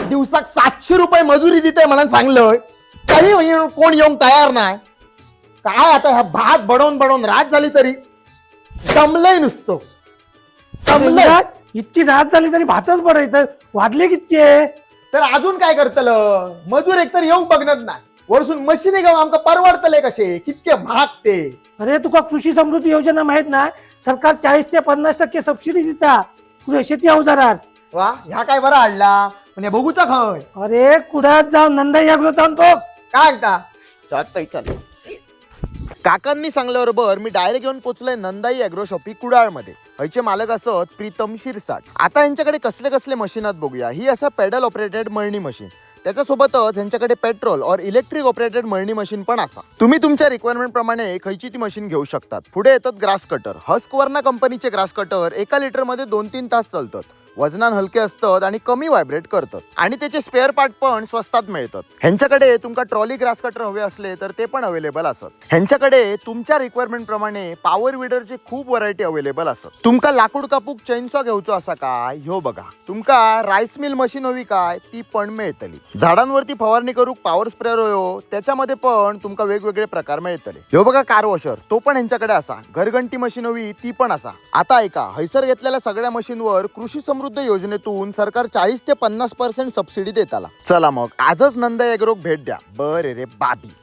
दिवसाक 700 रुपये मजुरी देते म्हणून सांगलं तरी कोण येऊन तयार नाही. काय आता ह्या भात बडवून बडवून रात झाली तरी जमलंय नुसतं जमलंय. इतकी रात झाली तरी भातच बरं वाजले किती आहे. तर अजून काय करतलं मजूर एकतर येऊ बघणार नाही वरसून मशीने घेऊन आमका परवडतले कसे कितके महाग ते. अरे तुका कृषी समृद्धी योजना माहित ना, सरकार 40 ते 50% सबसिडी देता शेती अवजारात. वा ह्या काय बरा आणला म्हणजे बघूचा खय. अरे कुडात जाऊन नंदा याग्रो जाऊन बघ काय ऐकता चालतंय चाल. काकांनी सांगल्याबरोबर मी डायरेक्ट येऊन पोचलोय नंदाई अॅग्रो शॉपी कुडाळमध्ये. हयचे मालक असत प्रीतम शिरसाट. आता यांच्याकडे कसले कसले मशीन आहेत बघूया. ही असं पेडल ऑपरेटेड मळणी मशीन, त्याच्यासोबतच यांच्याकडे पेट्रोल और इलेक्ट्रिक ऑपरेटेड मळणी मशीन पण असा. तुम्ही तुमच्या रिक्वायरमेंट प्रमाणे खयची ती मशीन घेऊ शकतात. पुढे येतात ग्रास कटर. हस्कवर्ना कंपनीचे ग्रास कटर 1 लिटर मध्ये 2-3 तास चालतात. वजनान हलके असतात आणि कमी व्हायब्रेट करतात आणि त्याचे स्पेअर पार्ट पण स्वस्तात मिळतात. ह्यांच्याकडे तुमका ट्रॉली ग्रास कटर हवे असले तर ते पण अवेलेबल असतात. ह्यांच्याकडे तुमच्या रिक्वायरमेंट प्रमाणे पॉवर विडरचे खूप व्हरायटी अवेलेबल असतात. तुमका लाकूड कापूक चैनसॉ घेऊचो असा काय ह्यो बघा. तुमका राईस मिल मशीन हवी काय ती पण मिळतली. झाडांवरती फवारणी करूक पॉवर स्प्रेअर होयो त्याच्यामध्ये पण तुमका वेगवेगळे प्रकार मिळतले. ह्यो बघा कार वॉशर, तो पण ह्यांच्याकडे असा. घरघंटी मशीन हवी ती पण असा. आता ऐका, हैसर घेतलेल्या सगळ्या मशीनवर कृषी समृद्धी योजनेतून सरकार 40 ते 50% सबसिडी देताला. चला मग आजच नंदा एग्रोक भेट द्या. बरे रे बाबी.